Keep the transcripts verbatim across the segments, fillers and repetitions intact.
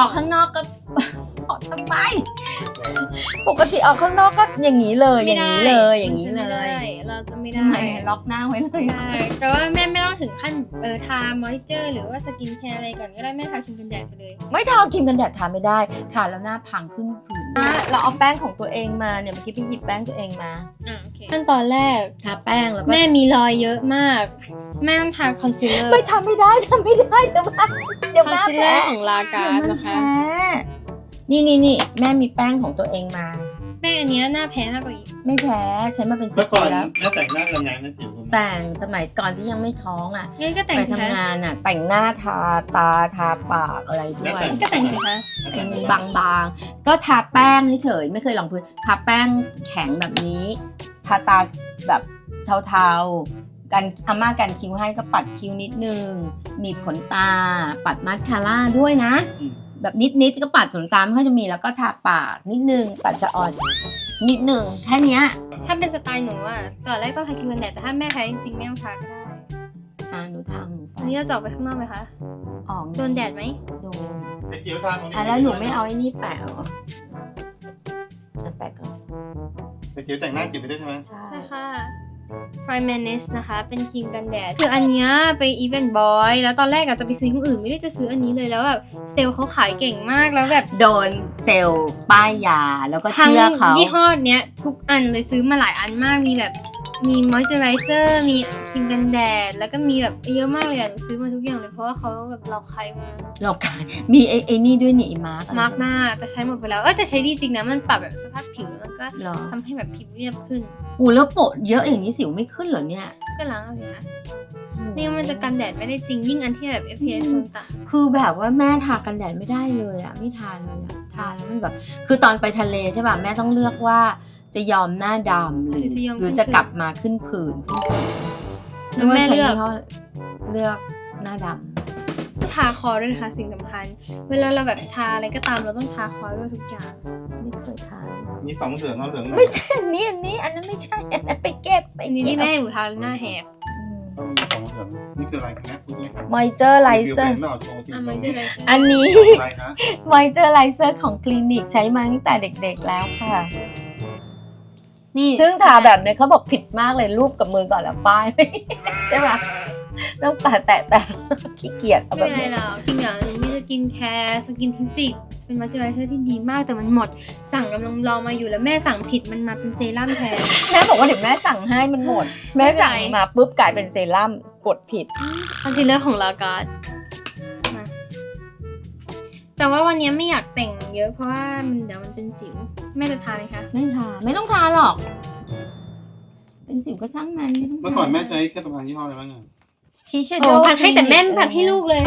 อกข้างนอกก็ ถอดทำไมปกติออกข้างนอกก็อย่างนี้เลยอย่างนี้เลยอย่างนี้เลยเราจะไม่ทำได้ไมล็อกหน้าไว้เลยใช่แต่ว่าแม่ไม่ต้องถึงขั้นเออทามอยเจอร์หรือว่าสกินแคร์อะไรก่อนก็ได้แม่ทาครีมกันแดดไปเลยไม่ทาครีมกันแดดทาไม่ได้ทาแล้วหน้าพังขึ้นผื่นเราเอาแป้งของตัวเองมาเนี่ยเมื่อกี้ไปหยิบแป้งตัวเองมาอ่าโอเคขั้นตอนแรกทาแป้งแล้วก็แม่มีรอยเยอะมากแม่ต้องทาคอนซีลเลอร์ไม่ทำไม่ได้ทำไม่ได้เดี๋ยวมาเดี๋ยวคอนมาซีลเลอแพ้ร์ของลาการ์ดเดี๋ยวมันนะคะแพ้นี่นี่นี่แม่มีแป้งของตัวเองมาแม่อันเนี้ยหน้าแพ้มากกว่าอีกไม่แพ้ใช้มาเป็นสิเมื่บอก่ปีอนแล้วแม่แต่งหน้ากันไงนะจิ๋วแต่งสมัยก่อนที่ยังไม่ท้องอ่ะงั้นก็แต่งไปสิทำคะงานอ่ะ แต่งหน้าทาตาทาปากอะไรด้วยก็แต่งสิคะบางๆก็ทาแป้งเฉยๆไม่เคยลองพื้นทาแป้งแข็งแบบนี้ ทาตาแบบเทาๆกันอาม่ากันคิ้วให้ก็ปัดคิ้วนิดนึงบีบขนตา ปัดมัสคาร่าด้วยนะ แบบนิดๆก็ปัดขนตาไม่ค่อยจะมีแล้วก็ทาปากนิดนึงปัดจะอ่อนนิดนึงแค่เนี้ยถ้าเป็นสไตล์หนูอ่ะตอนแรกต้องทาครีมกันแดดแต่ถ้าแม่แพ้จริงๆไม่ต้องทาก็ได้อ่าหนูทาของหนูไปอันนี้เราจะออกไปข้างนอกไหมคะออกโดนแดดไหมโดนไอ้จิ๋วทาตรงนี้อ่ะแล้วหนูไม่เอาไอ้นี่แปะเหรอเอาแปะก่อนไอ้จิ๋วแต่งหน้าจิ๋วไปด้วยใช่ไหมใช่ใช่ค่ะ p r i m a n e s นะคะ เป็นครีมกันแดด คืออันเนี้ยไปอีเวนต์บอยแล้วตอนแรกอะจะไปซื้อที่อื่นไม่ได้จะซื้ออันนี้เลยแล้วแบบเซลล์เขาขายเก่งมากแล้วแบบโดนเซลล์ป้ายยาแล้วก็ทั้งเชื่อเขายี่ห้อเนี้ยทุกอันเลยซื้อมาหลายอันมากมีแบบมีมอยเจอไรเซอร์มีครีมกันแดดแล้วก็มีแบบเยอะมากเลยอะหนูซื้อมาทุกอย่างเลยเพราะว่าเขาแบบหลอกใครมาหลอกขายมีไอ้ไอ้นี่ด้วยนี่ไอ้มาร์กมาร์กหน้าแต่ใช้หมดไปแล้วเออแต่ใช้ดีจริงนะมันปรับแบบสภาพผิวแล้วก็หรอทำให้แบบผิวเรียบขึ้นอูแล้วโปะเยอะอย่างนี้สิวไม่ขึ้นเหรอเนี่ยก็ล้างเอาเลยนะนี่มันจะกันแดดไม่ได้จริงยิ่งอันที่แบบ เอฟ พี เอส ต่างคือแบบว่าแม่ทากันแดดไม่ได้เลยอะไม่ทาเลยอะทาแล้วมันแบบ คือตอนไปทะเลใช่ป่ะแม่ต้องเลือกว่าจะยอมหน้าดำหรือหรือจะกลับมาขึ้นผื่นขึ้นสิวๆแล้วแม่เลือกว่าใช้ยี่ห้เลือกหน้าดทาคอด้วยนะคะสิ่งสำคัญ เวลาเราแบบทาอะไรก็ตามเราต้องทาคอด้วยทุกอย่างำไม่เคยทามีสองเหลืองเอาเหลืองหน่อยไม่ใช่อันนี้อันนี้อันนั้นไม่ใช่อันนั้นไปเก็บไปอันนี้เก็ที่บแม่หนูทาหน้าแหบต้องมีสองเหลืองนี่คืออะไรกันนะคุณแม่ครับมอยเจอร์ไลเซอร์รีวิวเป็นเปล่าโชว์จริงอ่ะๆมันจะอะไรอันนี้อะไรฮะมอยเจอร์ไลเซอร์ของคลินิกใช้มาตั้งแต่เด็กๆแล้วค่ะนี่ซึ่งทาแบบเนี้ยเขาบอกผิดมากเลยรูปกับมือก่อนแล้วป้าย ใช่ปะต้องปาแตะแต่ขี้เกียจเอาแบไม่บเป็นไรนี้หรอกจริงอ่ะหนูมีสกินแคร์สกินทิฟิกเป็นมอยเจอไรเซอร์ที่ดีมากแต่มันหมดสั่งกำลังรอมาอยู่แล้วแม่สั่งผิดมันมาเป็นเซรั่มแทนแม่บอกว่าเดี๋ยวแม่สั่งให้มันหมด แม่สั่งมาปุ๊บกลายเป็นเซรั่มกดผิดคอนซีลเลอร์ของลาการ์ดมาแต่ว่าวันนี้ไม่อยากแต่งเยอะเพราะว่ามันเดี๋ยวมันเป็นสิวแม่จะทาไหมคะไม่ทาไม่ต้องทาหรอก เป็นสิวก็ช่างมันไม่ต้องทาเมื่อก่อนแม่ใช้เครื่องสำอางยี่ห้ออะไรบ้างอ่ะชิชโอ้พัดให้แต่แม่ไม่พัดให้ลูกเลย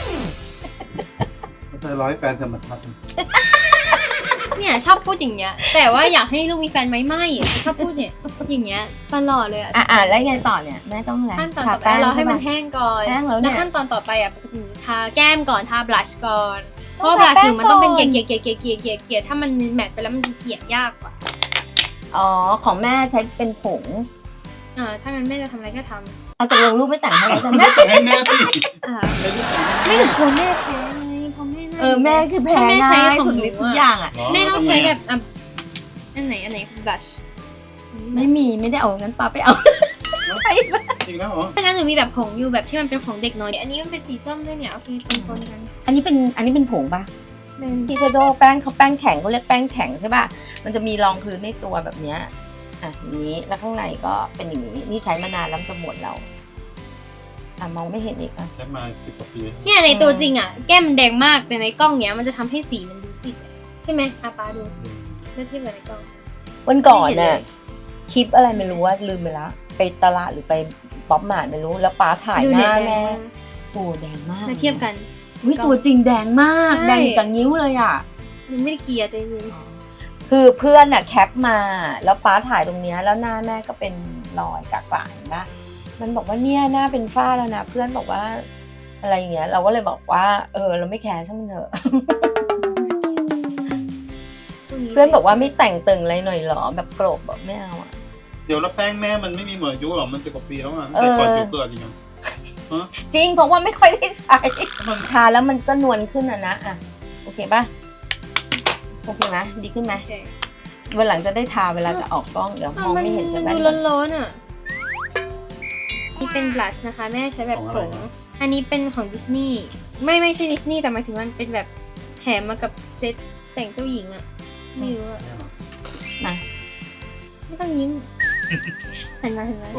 เธอร้อยแฟนเธอมาพัดเนี่ยชอบพูดอย่างเงี้ย แต่ว่าอยากให้ลูกมีแฟนไหมไม่ชอบพูดเนี่ยอย่างเงี้ยตลอดเลยอะอ่ะอ่ะแล้วไงต่อเนี่ยแม่ต้องอะไรขั้นตอนทาต่อไปแป้งเราให้ใช่มัปะนแห้งก่อนแห้งแล้วเนี่ยขั้นตอนต่อไปอ่ะทาแก้มก่อนทาบลัชก่อนเพต้องราะบลัชทาแป้หงนูมันต้องเป็นก่เกอนลี่ยเกลี่ยเกลี่ยเกลี่ยเกลี่ยเกลี่ยถ้ามันแมทไปแล้วมันจะเกลี่ยยากกว่าอ๋อของแม่ใช้เป็นผงอ่าถ้างั้นแม่จะทำอะไรก็ทเอาตกลงลูกไม่แต่งให้แล้วใช่ไหมแม่แต่งให้แม่สิำอ่าไม่ได้แต่งให้ไม่แม่ถึงกลัวแม่แพ้ไงเพราะแม่น่าเออแม่คือแพ้แม่ใช้ง่ายของสุดหนูฤทธิ์ทุกอะอย่างอ่ะแม่ต้องใช้แบบอ่ะอันไหนอันไหนคือบลัชไม่มีไม่ได้เอางั้นป้าไปเอา ใช่ปะจริงแล้วเหรอเพราะงั้นหนูมีแบบผงอยู่แบบที่มันเป็นของเด็กน้อยอันนี้มันเป็นสีส้มด้วยเนี่ยโอเคปนๆกันอันนี้เป็นอันนี้เป็นผงปะหนึ่งทีชโดแป้งเขาแป้งแข็งเขาเรียกแป้งแข็งใช่ป่ะ มันจะมีรองพื้นในตัวแบบเนี้ยอ่ะอย่างนี้ แล้วข้างในก็เป็นอย่างนี้ นี่ใช้มานานแล้วจะหมดแล้วอ่ะมองไม่เห็นอีกอ่ะใช้มาสิบกว่าปีเนี่ยในตัวจริงอ่ะแก้มมันแดงมากแต่ในกล้องเนี้ยมันจะทำให้สีมันดูสีใช่ไหมอาปาดูเมื่อเทียบกับในกล้องวันก่อนไม่เห็นเลน่ะยคลิปอะไรไม่รู้ว่าลืมไปละไปตลาดหรือไปป๊อปมาร์ทไม่รู้ แล้วป้าถ่ายดูหเด็กน้าแดแม่งโอ้แดงมากมาเทียบกันวิตัวจริงแดงมากใช่แดงกับนิ้วเลยอ่ะมันไม่ได้เกลียร์แต่จริงคือเพื่อนน่ะแคปมาแล้วป้าถ่ายตรงเนี้ยแล้วหน้าแม่ก็เป็นรอยกากๆเห็นปะมันบอกว่าเนี่ยหน้าเป็นฝ้าแล้วนะเพื่อนบอกว่าอะไรอย่างเงี้ยเราก็เลยบอกว่าเออเราไม่แคร์ช่างมันเถอะ เพื่อนบอกว่าไม่แต่งตึงอะไรหน่อยหรอแบบโกรธบอกไม่เอาอ่ะเดี๋ยวแล้วแป้งแม่มันไม่มีเหมือนอายุหรอมันสิบกว่าปีแล้วอ่ะแต่ก่อนจิ๋วเกิดจริงๆจริงเพราะว่าไม่ค่อยได้ใช้มันทาแล้วมันก็นวลขึ้นอ่ะนะอ่ะโอเคเคป่ะโอเคไหมดีขึ้นไหมโอเควันหลังจะได้ทาเวลาจะออกกล้องเดี๋ยวมองไม่เห็นมัจะนแบดูบร้อนๆอ่ะนี่เป็นบลัชนะคะแม่ใช้แบบผงอันนี้เป็นของดิสนีย์ไม่ไม่ใช่ดิสนีย์แต่หมายถึงมันเป็นแบบแถมมากับเซตแต่งเจ้าหญิงอ่ะไม่รู้อ่ะมาไม่ต้องยิ้มเห็นไหมเห็นไหมตัว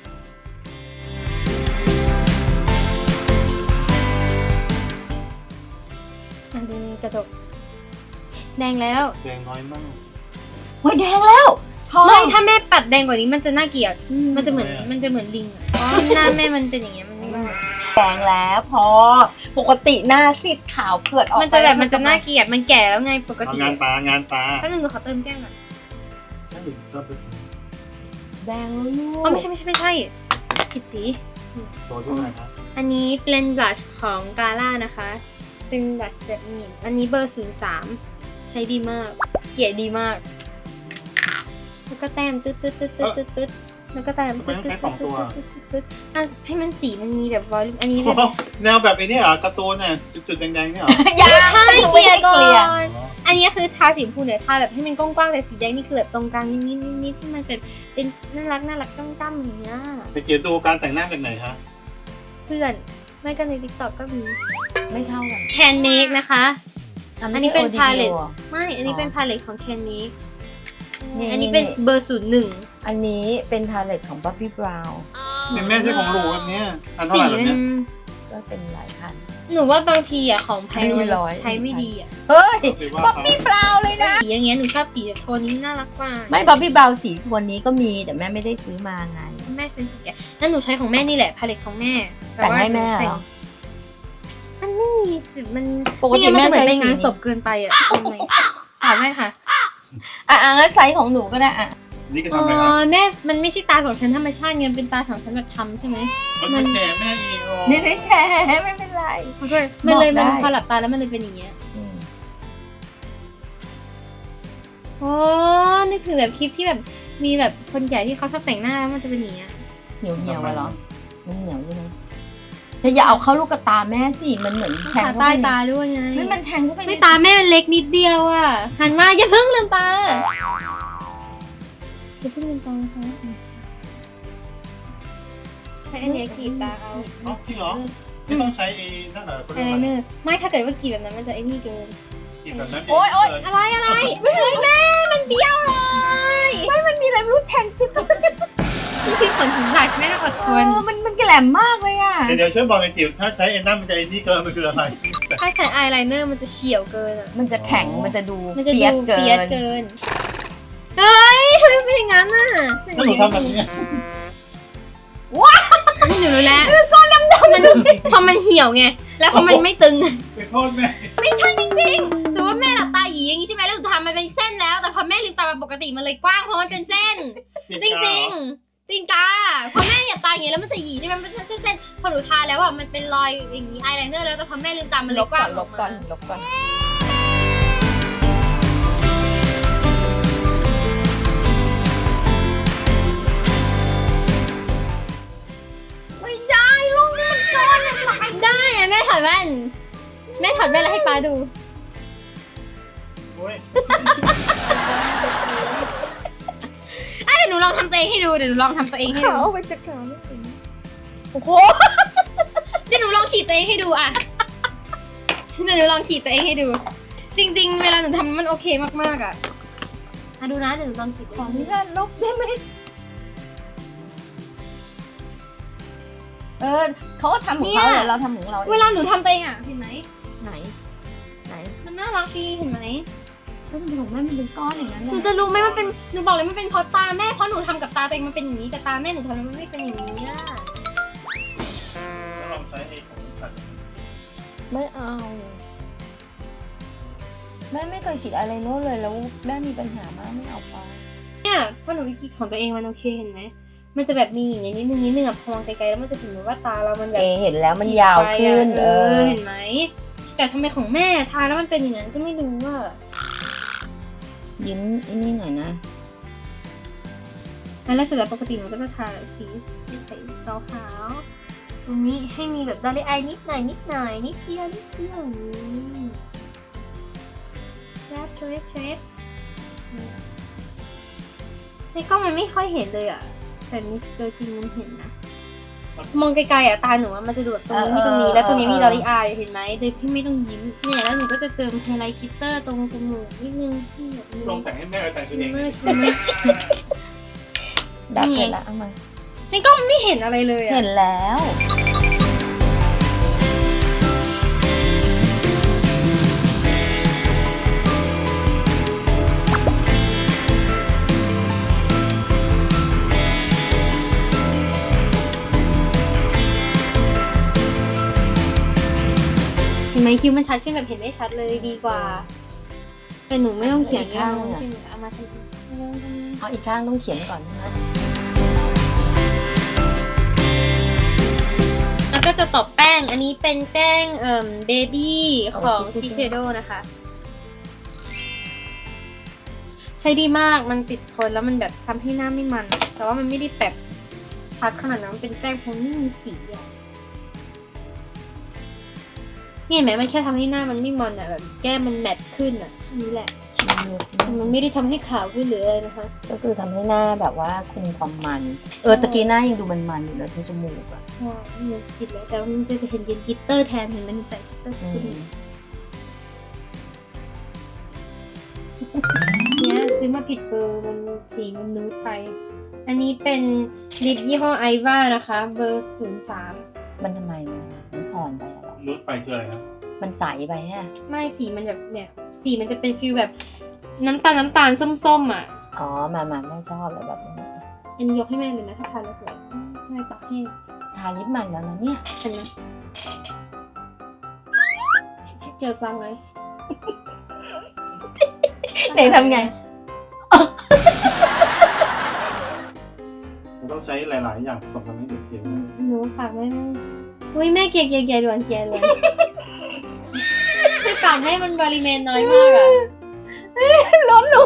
อ่ะดูนี่กระจกแดงแล้วแดงน้อยมากเฮ้ยแดงแล้วพอไม่ถ้าแม่ปัดแดงกว่านี้มันจะน่าเกลียด มันจะเหมือนทำไมอะมันจะเหมือนลิงอ่ะเพราะหน้าแม่มันเป็นอย่างเงี้ยมันไม่เหมือนแดงแล้วพอปกติหน้าซีดขาวเผือดออกมันจะแบบมันจะน่าเกลียดมันแก่แล้วไงปกเอาติงานตางานตาแป๊บนึงหนูขอเติมแก้มก่อนถ้าถึงก็เป็นแดงแล้วลูกอ๋อไม่ใช่ไม่ใช่ไม่ใช่ผิดสีตัวที่ไหนครับอันนี้เป็นบลัชของกาล่านะคะ เป็นบลัชแบบหมิ่นอันนี้เบอร์ศูนย์สามใช้ดีมาก เกลี่ยดีมาก แล้วก็แต้มตึ๊ดตึ๊ดตึ๊ดตึ๊ดตึ๊ดตึ๊ดแล้วก็แต้มตึ๊ดตึ๊ดตึ๊ดตึ๊ดตึ๊ดตึ๊ดอ่ะให้มันสีมันมีแบบวอลลุ่มอันนี้แบบแนวแบบไอ้นี่เหรอการ์ตูนเนี่ยจุดๆแดงๆนี่เหรอยังใช่เกลี่ยก่อไม่ได้น อันนี้คือทาสีชมพูเนี่ยทาแบบให้มันกว้างๆแต่สีแดงนี่คือแบบตรงกลางนิดๆนิดๆที่มันเป็นเป็นน่ารักน่ารักตั้มๆอย่างเงี้ยไปเกียรดูการแต่งหน้าจากไหนฮะเพื่อนไม่ก็ใน TikTok ก็มีไม่เท่ากัน Can Make นะคะ อันนี้เป็น palette หรอไม่ อันนี้เป็น palette ของ Can Make นี่อันนี้เป็นเบอร์ศูนย์หนึ่งอันนี้เป็นพาเลตของ Bobbi Brown เป็นแม่ใช่ของหลูแบบเนี้ยอันเท่าสีไหร่แบบมันเนี้ยก็เป็นหลายพันหนูว่าบางทีอ่ะของแพงไม่มันร้อยใช้ไม่ดีอ่ะเฮ้ยหรือว่า Bobbi Brown เลยนะสีอย่างเงี้ยหนูชอบสีแบบโทนนี้น่ารักกว่าไม่ Bobbi Brown สีโทนนี้ก็มีแต่แม่ไม่ได้ซื้อมาไงแม่เซนสิแกนั่นหนูใช้ของแม่นี่แหละ palette ของแม่แต่งให้แม่เหรอมันไม่มีสิมันปกติไม่งั้นมันจะเหมือนแม่ไปใช้งานสีนี้ศพเกินไปอ่ะทำไมถามแม่ค่ะอ่ะอ่ะงั้นไซส์ของหนูก็ได้อ่ะนี่ก็อ๋ทำอะไรครับอแม่ มันไม่ใช่ตาสองชั้นธรรมชาติไงเป็นตาสองชั้นแบบทำใช่ไหมมันเป็นแก่แม่อีกไม่ได้แชร์ไม่เป็นไรมันเลยมันเลยบอกได้มันพอหลับตาแล้วมันเลยเป็นอย่างเงี้ยอืมโอ้นึกถึงแบบคลิปที่แบบมีแบบคนใหญ่ที่เขาชอบแต่งหน้าแล้วมันจะเป็นอย่างเงี้ยเหี่ยวเหี่ยวๆอะเหรอมันเหนียวใช่ไหมแต่อย่าเอาเข้าลูกกระตาแม่สิมันเหมือนแทงตาเข้าใต้ไปในตาด้วยไงไม่มันแทงเข้าไปในไม่ตาแม่มันเล็กนิดเดียวอ่ะหันมาอย่าเพิ่งลืมตาอย่าเพิ่งลืมตานะคะใช้อันเนี้ยกรีดตาเอาอ๋อจริงเหรอไม่ต้องใช้ไอ้นั่นเหรอไอไลเนอร์ไม่ถ้าเกิดว่ากรีดแบบนั้นมันจะไอ้นี่เกินกินแบบนั้นโอ๊ยโอ๊ยอะไรอะไรเฮ้ยแม่มันเบี้ยวเลยไม่มันมีอะไรไม่รู้แทงจิ๊บเข้าไปนี่คือขนถึงหลักแม่ต้องอดทเอน อมันมันแกลมมากเลยอ่ะเดี๋ยวเดี๋ยวช่วยบอกในจิ๋วถ้าใช้ไอ้นั่นมันจะไอ้นี่เกินมันคืออะไรถ้าใช้อายไลเนอร์มันจะเฉียวเกินอ่ะมันจะแข็งมันจะดูมันจะเฟียดูสเกิเฟียสนเกิน เฮ้ยทำไมเป็นอย่างนั้นน่ะถ้าหนูทำแบบนี้หนูรู้แล้วก้อนดำๆมันพอมันเหี่ยวไง แล้วพอมันไม่ตึงไปโทษแม่ไม่ใช่จริงๆสมมติว่าแม่หลับตาหยีอย่างนี้ใช่ไหมแล้วหนูทำมันเป็นเส้นแล้ว แต่พอแม่ลืมตามาปกติมันเลยกว้างเพราะมันเป็นเส้น จริงจริงๆจริงกาพอแม่หยับตาอย่างนี้แล้วมันจะหยีใช่ไหมมันเป็นเส้นๆพอหนูทาแล้วอ่ะมันเป็นรอยอย่างนี้อายไลเนอร์แล้วแต่พอแม่ลืมตามันเลลยบกก่ว้าอง นอลอกบก่อมานลบก่อนไม่ได้ลูกนี่มันก้อนอะหลายได้อะแม่ถอดแว่นแม่ถอดแว่นแล้วให้ป้าดูโอ้ยอ่ะเดี๋ยวหนูลองทำตัวเองให้ดูเดี๋ยวหนูลองทำตัวเองให้ขาดูเอาไปจากขาไม่ถึงโอ้โหเดี๋ยวหนูลองขีดตัวเองให้ดูอ่ะเดี๋ยวหนูลองขีดตัวเองให้ดู จริง ๆ เวลาหนูทำมันโอเคมากๆอ่ะอ่ะดูนะเดี๋ยวหนูลองขีดขออนุญาตลบได้ไหมเออเขาก็ทำของเขาเดี๋ยวเราทำของเราเวลาหนูทำตัวเองอ่ะเห็นไหมไหน ไหนมันน่ารักดีเห็นไหมแล้วทำไมของแม่มันเป็นก้อนอย่างนั้นหนูน่ะจะรู้ไหมมันเป็นหนูบอกเลยมันเป็นเพราะตาแม่เพราะหนูทำกับตาตัวเองมันเป็นอย่างนี้แต่ตาแม่หนูทำแล้วมันไม่เป็นอย่างนี้อ่ะถ้าลองใช้ไอ้ของสัตว์ไม่เอา แม่ไม่เคยขีดอะไรโน้ตเลยแล้วแม่มีปัญหามากไม่เอาไปเนี่ยพอหนูขีดของตัวเองมันโอเคเห็นไหมมันจะแบบมีอย่างนี้นิดนึงนิดนึงอ่ะพอมองไกลๆแล้วมันจะถึงว่าตาเรามันแบบเอเห็นแล้วมันยาวขึ้นเอเอออเห็นไหมแต่ทำไมของแม่ทาแล้วมันเป็นอย่างนั้นก็ไม่รู้ว่ายิ้มอันนี้หน่อยนะแล้วเสร็จแล้วปกติหนูก็จะทาสีใส่ขาวขาวๆตรงนี้ให้มีแบบดอลลี่อายนิดหน่อยนิดหน่อยนิดเดียวนิดเดียวอย่างนี้แรปเทรดเทรดในกล้องมันไม่ค่อยเห็นเลยอ่ะแต่นี่โดยจริงมันเห็นนะมองไกลๆอ่ะตาหนูว่ามันจะดูแบบตรงนี้มีตรงนี้แล้วตรงนี้มีดอลลี่อายเห็นไหมโดยที่ไม่ต้องยิ้มเนี่ยแล้วหนูก็จะเติมไฮไลท์คิตเตอร์ตรงจมูกนิดนึงที่แบบนี้ลองแต่งให้แม่แต่งตัชิวมเองเมอร์ชิมเมอร์ดับเลยละเอามาในกล้องมันไม่เห็นอะไรเลยอ่ะเห็นแล้วเห็นไหมคิ้วมันชัดขึ้นแบบเห็นได้ชัดเลยดีกว่าแต่หนูไม่ต้องเขียนข้างอะเอามาทำเอาอีกข้างต้องเขียนก่อนนะแล้วก็จะตบแป้งอันนี้เป็นแป้งเอ่อเบบี้ของชิเชโดนะคะ ใช้ดีมากมันติดทนแล้วมันแบบทำให้หน้าไม่มัน แต่ว่ามันไม่ได้แบบชัดขนาดนั้นมันเป็นแป้งเพราะไม่มีสีอะนี่เห็นไหมมันแค่ทำให้หน้ามันไม่มันอะแบบแก้มมันแมตต์ขึ้นอะอันนี้แหละมันไม่ได้ทำให้ขาวขึ้นหรืออะไรนะคะก็คือทำให้หน้าแบบว่าคุมความมัน เออตะกี้หน้ายังดูมันๆอยู่เลยทั้งจมูกอะใช่หนูผิดแล้วแต่ว่ามันจะเห็นเป็นกลิตเตอร์แทนเห็นมันใส่กลิตเตอร์อืขึ้นมเนี่ยซื้อมาผิดเบอร์มันสีมันนูดไป อันนี้เป็นลิปยี่ห้อไอวานะคะ เบอร์ศูนย์สามมันทำไมมันมันอ่อนไปอะหรอนุชไปคืออะไรนะมันใสไปฮะไม่สีมันแบบเนี่ยสีมันจะเป็นฟิลแบบน้ำตาลน้ำตาลส้มๆอ่ะอ๋อมามาไม่ชอบเลยแบบนี้อันนี้ยกให้แม่เลยนะถ้าทานแล้วสวยแม่ตักให้ทาลิปมันแล้วนะเนี่ยเห็นไหมเจอฟังเลยไหนทำไงมันต้องใช้หลาย ๆ อย่างผสมกันให้เด็กเขียนหนูฝากแม่แม่อุ้ยแม่เกลียดเกลียดเกลียดด่วนเกลียดเลยไม่ฝากแม่มันบริเวณน้อยมากอ่ะล้นหนู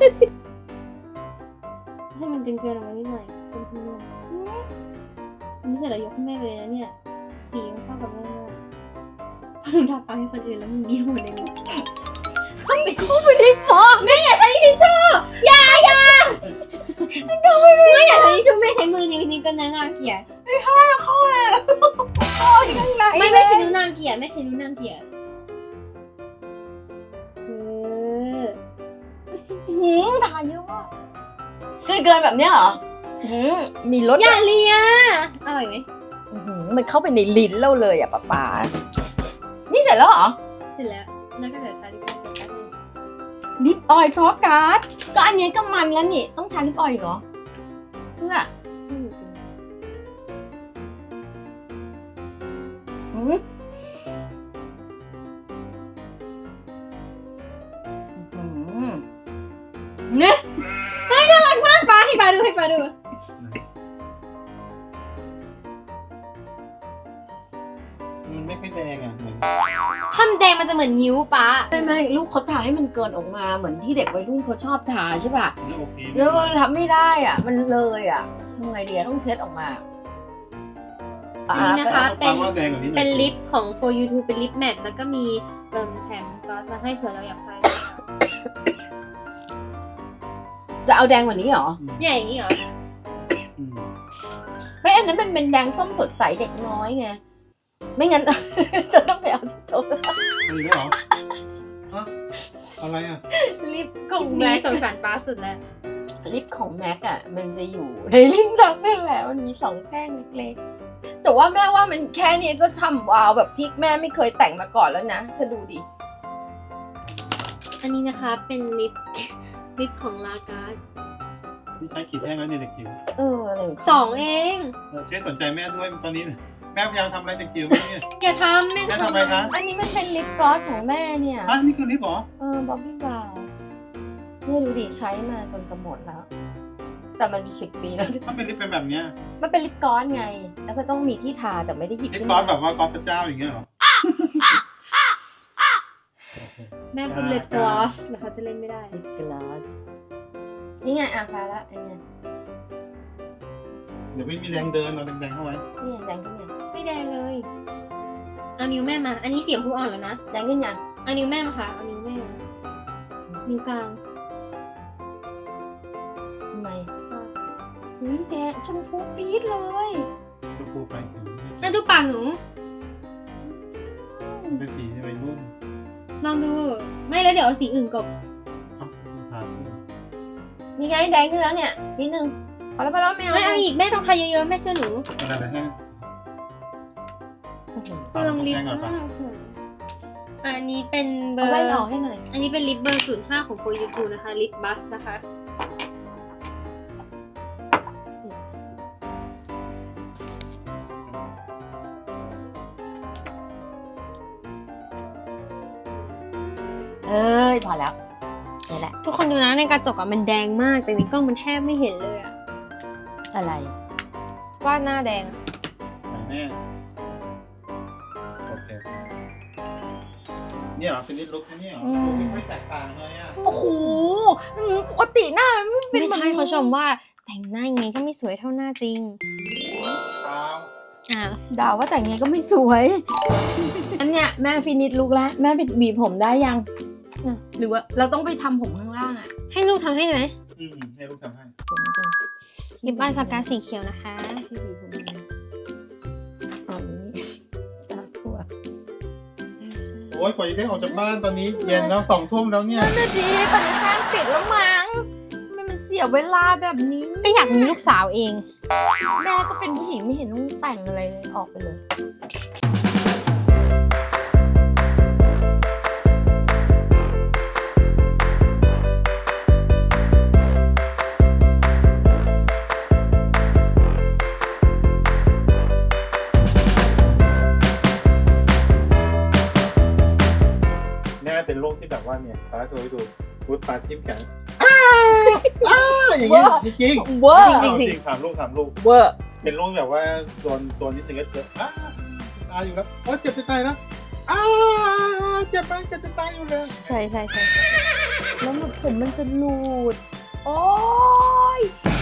ให้มันเกินเกินออกมานิดหน่อยเป็นทุนเรื่องอันนี้เสร็จแล้วยกให้แม่เลยนะเนี่ยสีมันเข้ากับแม่มากพอหนูทาปากให้คนอื่นแล้วมันเบี้ยวหมดเลยนะเขาไปคู่ไปได้ฟอกแม่อย่าใช้ทิชชู่อย่าอย่าไม่อยากใช้ทิชชู่แม่ใช้มือนิ้วนิ้วก็น่าเกลียดข้างในไม่ไม่ใช่นิ้วนางเกลียดไม่ใช่นิ้วนางเกลียดเออหืมทาเยอะว่ะเกินเกินแบบเนี้ยเหรอหืมมีรสอย่าเลียอร่อยไหมอื้อหือมันเข้าไปในลิ้นเราเลยอ่ะป๊าป๊านี่เสร็จแล้วเหรอเสร็จแล้วแล้วก็เดี๋ยวทาลิปสติกเกอร์ลิปออยล์ซอสการ์ดก็อันนี้ก็มันแล้วนี่ต้องทาลิปออยล์อีกเหรอเพื่อหืมอื้อหือเนี่ยปาให้ปาดูให้ปาดูมันไม่ค่อยแดงอ่ะเหมือนทำแดงมันจะเหมือนนิ้วปะไม่ไม่ลูกเขาทาให้มันเกินออกมาเหมือนที่เด็กวัยรุ่นเขาชอบทาใช่ป่ะไม่โอเคแล้วมันทำไม่ได้อ่ะ มันเลยอ่ะทำไงดีอะต้องเช็ดออกมาอันนี้นะคะเอาเป็นว่าแดงกว่านี้หน่อยเป็นลิปของ for you to เป็นลิปแมทแล้วก็มีเติมแถมซอสมาให้เผื่อเราอยากใช้จะเอาแดงกว่านี้เหรอเนี่ยอย่างนี้เหรออืมไม่อันนั้นมันเป็นแดงส้มสดใสเด็กน้อยไง ไม่งั้น จะต้องไปเอาที่โต๊ะมีด้วยเหรอฮะอะไรอ่ะลิปของมีแม็กสงสารป้าสุดแล้วลิปของแม็กอ่ะ มันจะอยู่ในลิ้นชักนั่นแหละมันมีสองแท่งเล็กๆแต่ว่าแม่ว่ามันแค่นี้ก็ช่ำวาวแบบที่แม่ไม่เคยแต่งมาก่อนแล้วนะเธอดูดิอันนี้นะคะเป็นลิป ลิปของลาการ์ดที่ใช้ขีดแท่งแล้วเนี่ยเด็กจิ๋วเอออะไรขสองเองเออช่วยสนใจแม่ด้วยตอนนี้แม่พยายามทำอะไรเด็กจิ๋วไหมเนี่ยอย่าทำแม่แม่ทำอะไรคะอันนี้มันเป็นลิปกลอสของแม่เนี่ยอ่ะนี่คือลิปเหรอเออบ๊อบบี้บราวน์เนี่ยดูดิใช้มาจนจะหมดแล้ว แต่มันสิบปีแล้วมันเป็นลิปเป็นแบบเนี้ยมันเป็นลิปกลอสไง แล้วก็ต้องมีที่ทาแต่ไม่ได้หยิบลิปขึ้นกลอมาสแบบว่ากลอสพระเจ้าอย่างเงี้ยเหรอแม่พูดลิปกลอสแล้วเขาจะเล่นไม่ได้ลิปกลอสนี่ไงอ่ะพาละอันเนี้ยเดี๋ยวไม่มีแรงเดินเอาแดงๆเข้าไว้นี่แดงขึ้นยังไม่ได้เลยเอานิ้วแม่มา อันนี้เสียงผู้อ่อนแล้วนะแดงขึ้นยังเอานิ้วแม่มาค่ะเอานิ้วแม่มานิ้วกลางทำไมอุ้ยแดงชมพูปี๊ดเลยชมพูไปถึงนั่นดูปากหนูเป็นสีวัยรุ่นลองดู ไม่แล้วเดี๋ยวเอาสีอื่นกบครับทานนี่ไงแดงขึ้นแล้วเนี่ยนิดนึงพอแล้วพอแล้วไม่เอาไม่เอาอีกแม่ต้องทาเยอะๆแม่เชื่อหนูอะไรนะฮะเปลืองลิปมากค่ะอันนี้เป็นเบอเอาร์แว่นออกให้หน่อยอันนี้เป็นลิปเบอร์ศูนย์ห้าของโฟยูทูนะคะลิปบัสนะคะเอ้ยพอแล้วนี่แหละทุกคนดูนะในกระจกอะมันแดงมากแต่ในกล้องมันแทบไม่เห็นเลยอะอะไรว่าหน้าแดงอะแม่โอเคเนี่ยเหรอเป็นนิดลุกนะเนี่ยเหรอลุคไม่แตกต่างเลยอ่ะโอ้โหอืมปกติหน้ามันไม่เป็นไม่แบบใช่นี้เขาชมว่าแต่งหน้ายังไงก็ไม่สวยเท่าหน้าจริงเท้าอ่าด่าว่าแต่งไงก็ไม่สวยอันเนี้ยแม่ฟินิชลุกแล้วแม่ไปบีบผมได้ยังอ่ะหรือว่าเราต้องไปทำผมข้างล่างอะให้ลูกทำให้ไหมอืมให้ลูกทำให้ผมก่อนลิปอายสกาสีเขียวนะคะที่บีบผมยังไงอ๋อนี่ตาทั่วโอ้ยกว่าจะได้ออกจากบ้านตอนนี้เย็นแล้วสองทุ่มแล้วเนี่ยนั่นน่ะดีปันห้างปิดแล้วมั้งทำไมมันเสียเวลาแบบนี้ก็อยากมีลูกสาวเองแม่ก็เป็นผู้หญิงไม่เห็นต้องแต่งอะไรเลยออกไปเลยแม่เป็นโรคที่แบบว่าเนี่ยตาตัวให้ดูพูดปลาทิ่มกันอ้าวอ้าวอย่างเงี้ยจริงๆเวอร์จริงๆจริงๆถามลูกถามลูกเวอร์เป็นโรคแบบว่าโดนโดนนิดนึงก็เจออ้าตายอยู่แล้วโอ้เจ็บจะตายแล้วอ้าเจ็บไปเจ็บจะตายอยู่เลยใช่ใช่ใช่แล้วมันผมมันจะหลุด โอ้ย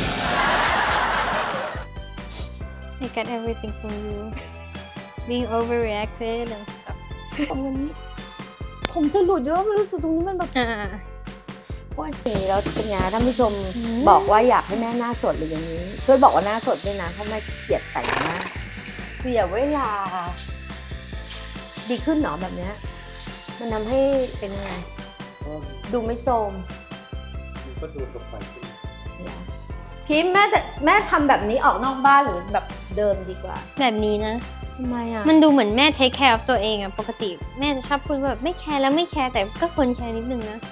I got everything from you being overreacted and stuff ผมมันผมจะหลุดเยอะมันรู้สึกตรงนี้มันแบบอ่าโอ้ยเสียแล้วเป็นไงท่านผู้ชมอืมบอกว่าอยากให้แม่หน้าสดหรืออย่างนี้ ช่วยบอกว่าหน้าสดด้วยนะเพราะแม่เกลียดแต่งหน้าเสียเวลา ดีขึ้นเหรอแบบเนี้ยมันทำให้เป็นยังไง ดูไม่โทรมมันก็ดูตกไปขึ้นพิมพ์แม่แต่แม่ทำแบบนี้ออกนอกบ้านหรือแบบเดิมดีกว่าแบบนี้นะทำไมอ่ะมันดูเหมือนแม่ take care of ตัวเองอะปกติแม่จะชอบพูดว่าแบบไม่แคร์แล้วไม่แคร์แต่ก็ควรแคร์นิดนึงนะ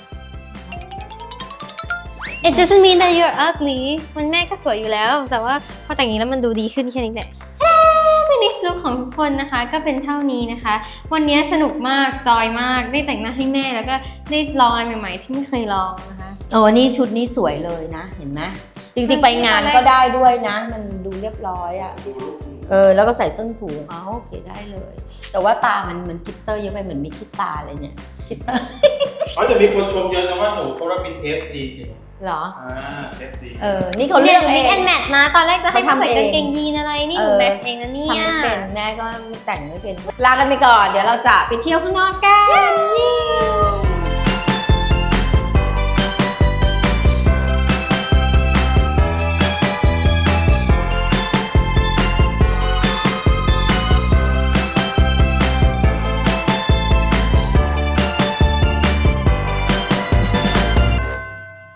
It doesn't mean that you're ugly มันแม่ก็สวยอยู่แล้ว แต่ว่าพอแต่งอย่างนี้แล้วมันดูดีขึ้นแค่นี้แหละ finish look ของทุกคนนะคะก็เป็นเท่านี้นะคะ วันนี้สนุกมากจอยมากได้แต่งหน้าให้แม่แล้วก็ได้ลองอะไรใหม่ๆ ที่ไม่เคยลองนะคะโอ้นี่ชุดนี้สวยเลยนะ เห็นไหมจริงๆไปงานก็ได้ด้วยนะ มันดูเรียบร้อยอ่ะดูลูกเออแล้วก็ใส่ส้นสูงอ๋อโอเคได้เลย แต่ว่าตามันเหมือนคิตเตอร์เยอะไปเหมือนมีคิดตาเลยเนี่ยคิตเตอร์เขาจะมีคนชมเยอะนะว่าหนูเขารับเป็นเทสดีจริงเหรออ่าเทสดีเออนี่เขาเรีเรียยนกมิเอกแอง นแมทนะ ตอนแรกจะให้เขามาทำใส่เองกางเกงยีนอะไรนี่หนูเออแมทเองนะเนี่ยทำไม่เป็นแม่ก็แต่งไม่เป็น ลากันไปก่อน เดี๋ยวเราจะไปเที่ยวข้างนอกกัน